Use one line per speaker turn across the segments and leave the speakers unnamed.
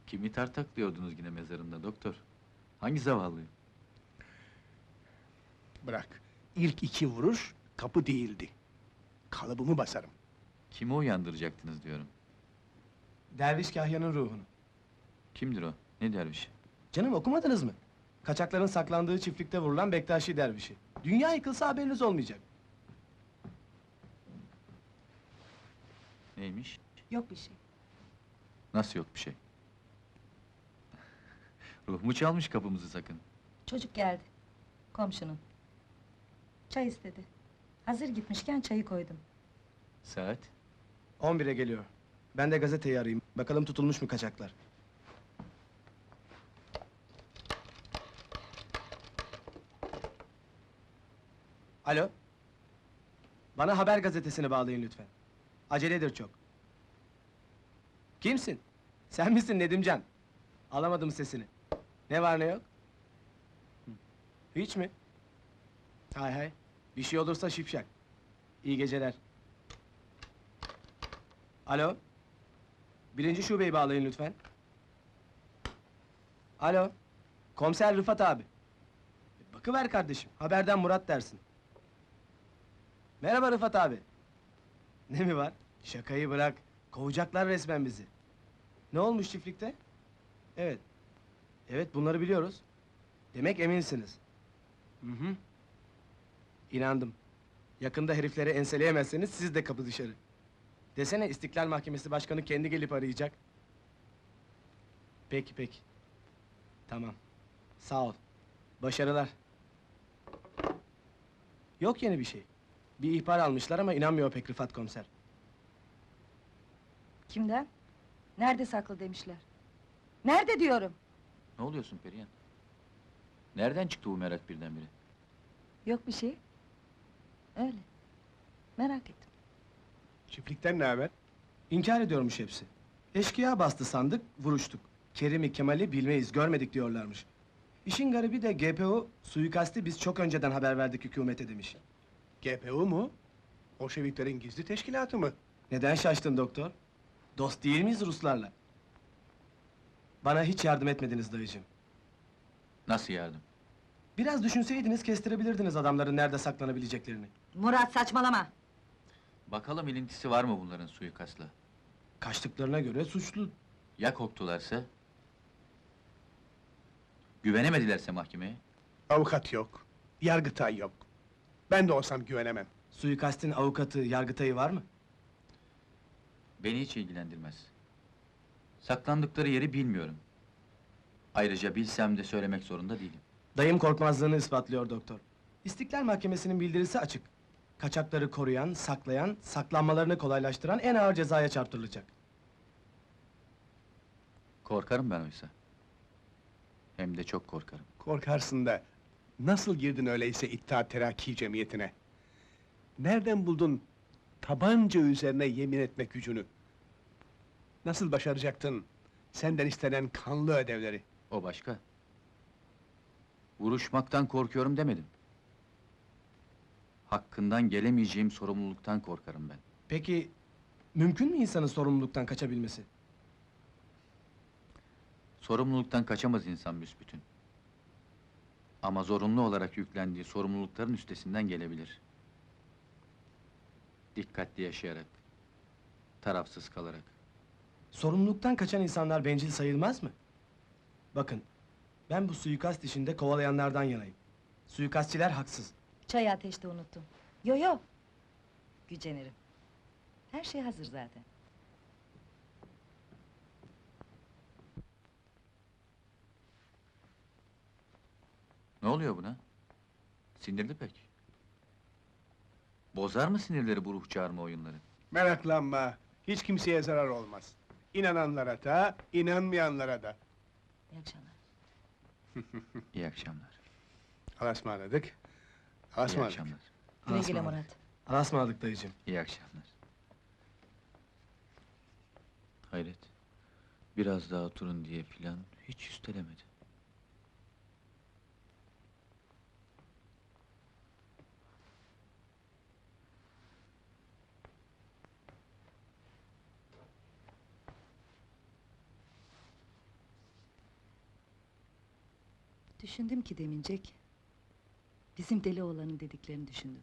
Kimi tartaklıyordunuz yine mezarında doktor? Hangi zavallıyı?
Bırak. İlk iki vuruş kapı değildi. Kalıbımı basarım.
Kimi uyandıracaktınız diyorum.
Derviş Kahya'nın ruhunu.
Kimdir o? Ne derviş?
Canım okumadınız mı? Kaçakların saklandığı çiftlikte vurulan Bektaşi dervişi. Dünya yıkılsa haberiniz olmayacak.
Neymiş?
Yok bir şey.
Nasıl yok bir şey? Ruh mu çalmış kapımızı sakın?
Çocuk geldi. Komşunun. Çay istedi. Hazır gitmişken çayı koydum.
Saat?
11'e geliyor. Ben de gazeteyi arayayım. Bakalım tutulmuş mu kaçaklar. Alo? Bana haber gazetesini bağlayın lütfen. Aceledir çok. Kimsin? Sen misin Nedimcan? Alamadım sesini. Ne var ne yok? Hı. Hiç mi? Hay hay. Bir şey olursa şipşak. İyi geceler. Alo? Birinci şubeyi bağlayın lütfen. Alo? Komiser Rıfat abi. Bakıver kardeşim, haberden Murat dersin. Merhaba Rıfat abi. Ne mi var? Şakayı bırak. Kovacaklar resmen bizi. Ne olmuş çiftlikte? Evet. Evet, bunları biliyoruz. Demek eminsiniz. Hı hı. İnandım. Yakında herifleri enseleyemezseniz siz de kapı dışarı. Desene İstiklal Mahkemesi Başkanı kendi gelip arayacak. Peki peki. Tamam. Sağ ol. Başarılar. Yok yeni bir şey. Bir ihbar almışlar ama inanmıyor pek Rıfat komiser.
Kimden? Nerede saklı demişler. Nerede diyorum?
Ne oluyorsun Perihan? Nereden çıktı bu merak birdenbire?
Yok bir şey. Öyle. Merak ettim.
Çiftlikten ne haber?
İnkar ediyormuş hepsi. Eşkıya bastı sandık, vuruştuk. Kerim'i, Kemal'i bilmeyiz, görmedik diyorlarmış. İşin garibi de GPO suikasti biz çok önceden haber verdik hükümete demiş.
GPU mu? Bolşeviklerin gizli teşkilatı mı?
Neden şaştın doktor? Dost değil miyiz Ruslarla? Bana hiç yardım etmediniz dayıcığım.
Nasıl yardım?
Biraz düşünseydiniz kestirebilirdiniz adamların nerede saklanabileceklerini.
Murat saçmalama!
Bakalım ilintisi var mı bunların suikastla?
Kaçtıklarına göre suçlu.
Ya korktularsa? Güvenemedilerse mahkemeye?
Avukat yok. Yargıtay yok. Ben de olsam güvenemem.
Suikastin avukatı, yargıtayı var mı?
Beni hiç ilgilendirmez. Saklandıkları yeri bilmiyorum. Ayrıca bilsem de söylemek zorunda değilim.
Dayım korkmazlığını ispatlıyor doktor. İstiklal Mahkemesi'nin bildirisi açık. Kaçakları koruyan, saklayan, saklanmalarını kolaylaştıran en ağır cezaya çarptırılacak.
Korkarım ben oysa. Hem de çok korkarım.
Korkarsın da... Nasıl girdin öyleyse İttihat Terakki Cemiyeti'ne? Nereden buldun tabanca üzerine yemin etme gücünü? Nasıl başaracaktın senden istenen kanlı ödevleri?
O başka. Vuruşmaktan korkuyorum demedim. Hakkından gelemeyeceğim sorumluluktan korkarım ben.
Peki, mümkün mü insanın sorumluluktan kaçabilmesi?
Sorumluluktan kaçamaz insan büsbütün. Ama zorunlu olarak yüklendiği sorumlulukların üstesinden gelebilir. Dikkatli yaşayarak, tarafsız kalarak.
Sorumluluktan kaçan insanlar bencil sayılmaz mı? Bakın, ben bu suikast işinde kovalayanlardan yanayım. Suikastçiler haksız.
Çayı ateşte unuttum. Yo yo! Gücenirim. Her şey hazır zaten.
Ne oluyor buna? Sinirli pek. Bozar mı sinirleri bu ruh çağırma oyunları?
Meraklanma, hiç kimseye zarar olmaz. İnananlara da, inanmayanlara da.
İyi akşamlar.
İyi akşamlar.
Allah'a ısmarladık. Allah'a
İyi
ısmarladık.
akşamlar.
Güle güle
Asmadık.
Murat.
Alasmadık dayıcığım.
İyi akşamlar. Hayret. Biraz daha oturun diye filan hiç üstelemedi.
Düşündüm ki demincek... ...bizim deli oğlanın dediklerini düşündüm.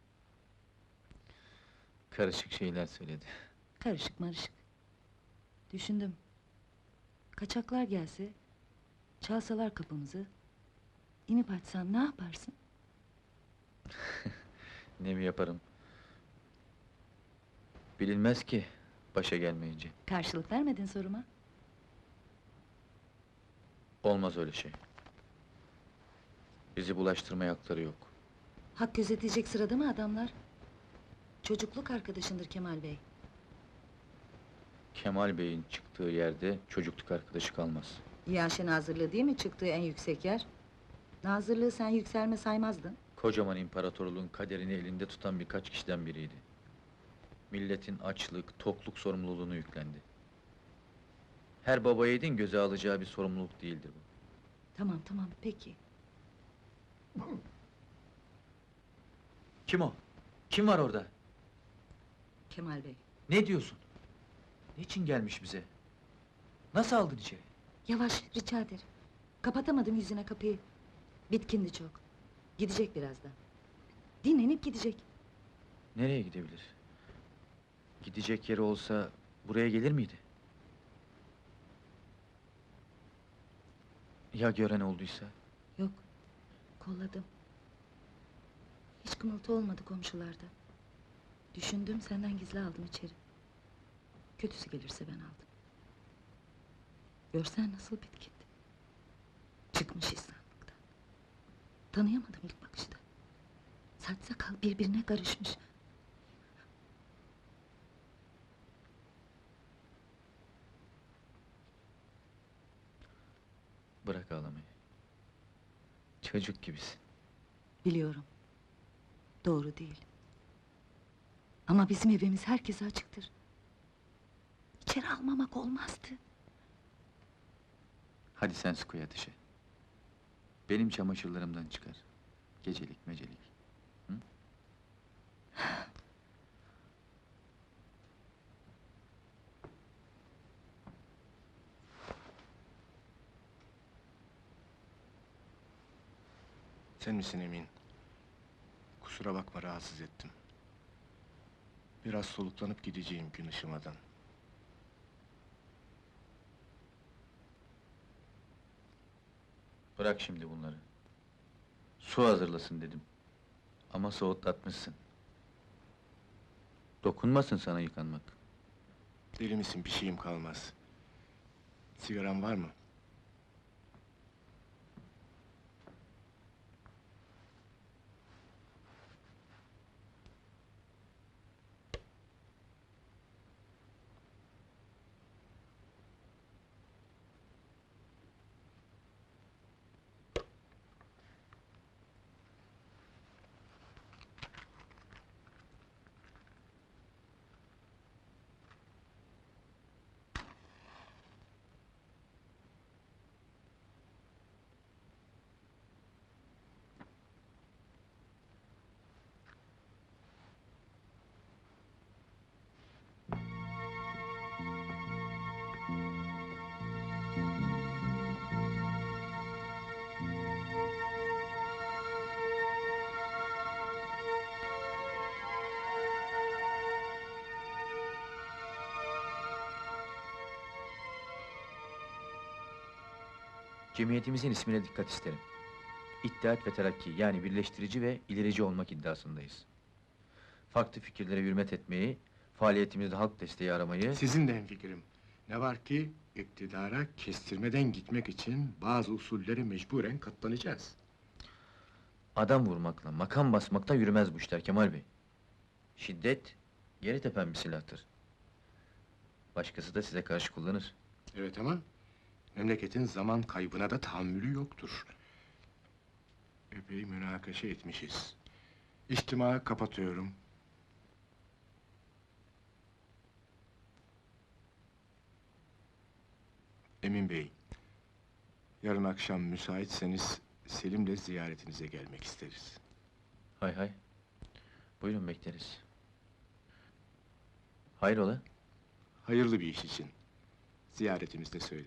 Karışık şeyler söyledi.
Karışık marışık. Düşündüm. Kaçaklar gelse... ...çalsalar kapımızı... ...inip açsan ne yaparsın?
Ne mi yaparım? Bilinmez ki, başa gelmeyince.
Karşılık vermedin soruma.
Olmaz öyle şey. Bizi bulaştırmaya hakları yok.
Hak gözetecek sırada mı adamlar? Çocukluk arkadaşındır Kemal Bey.
Kemal Bey'in çıktığı yerde çocukluk arkadaşı kalmaz.
Yaşı nazırlığı değil mi çıktığı en yüksek yer? Nazırlığı sen yükselme saymazdın.
Kocaman imparatorluğun kaderini elinde tutan birkaç kişiden biriydi. Milletin açlık, tokluk sorumluluğunu yüklendi. Her baba yiğidin göze alacağı bir sorumluluk değildir bu.
Tamam tamam peki.
Kim o? Kim var orada?
Kemal Bey.
Ne diyorsun? Niçin gelmiş bize? Nasıl aldın içeri?
Yavaş rica ederim. Kapatamadım yüzüne kapıyı. Bitkindi çok. Gidecek birazdan. Dinlenip gidecek.
Nereye gidebilir? Gidecek yeri olsa buraya gelir miydi? Ya gören olduysa?
Yok. Kolladım. Hiç kımıltı olmadı komşularda. Düşündüm senden gizli aldım içeri. Kötüsü gelirse ben aldım. Görsen nasıl bitkindi. Çıkmış insanlıktan. Tanıyamadım ilk bakışta. Saç sakal birbirine karışmış.
Bırak ağlamayı. Çocuk gibisin.
Biliyorum. Doğru değil. Ama bizim evimiz herkese açıktır. İçeri almamak olmazdı.
Hadi sen su koy ateşe. Benim çamaşırlarımdan çıkar. Gecelik mecelik. Hı?
Sen misin Emin? Kusura bakma rahatsız ettim. Biraz soluklanıp gideceğim gün ışımadan.
Bırak şimdi bunları. Su hazırlasın dedim. Ama soğutlatmışsın. Dokunmasın sana yıkanmak.
Deli misin, bir şeyim kalmaz. Sigaran var mı?
Cemiyetimizin ismine dikkat isterim. İttihat ve Terakki, yani birleştirici ve ilerici olmak iddiasındayız. Farklı fikirlere hürmet etmeyi, faaliyetimizde halk desteği aramayı...
Sizin de hemfikirim. Ne var ki, iktidara kestirmeden gitmek için bazı usullere mecburen katlanacağız.
Adam vurmakla, makam basmakla yürümez bu işler Kemal Bey. Şiddet, yeri tepen bir silahtır. Başkası da size karşı kullanır.
Evet ama, memleketin zaman kaybına da tahammülü yoktur. Epey münakaşa etmişiz. İçtimağı kapatıyorum. Emin Bey, yarın akşam müsaitseniz Selim'le ziyaretinize gelmek isteriz.
Hay hay. Buyurun bekleriz. Hayrola?
Hayırlı bir iş için. Ziyaretimizde söyle.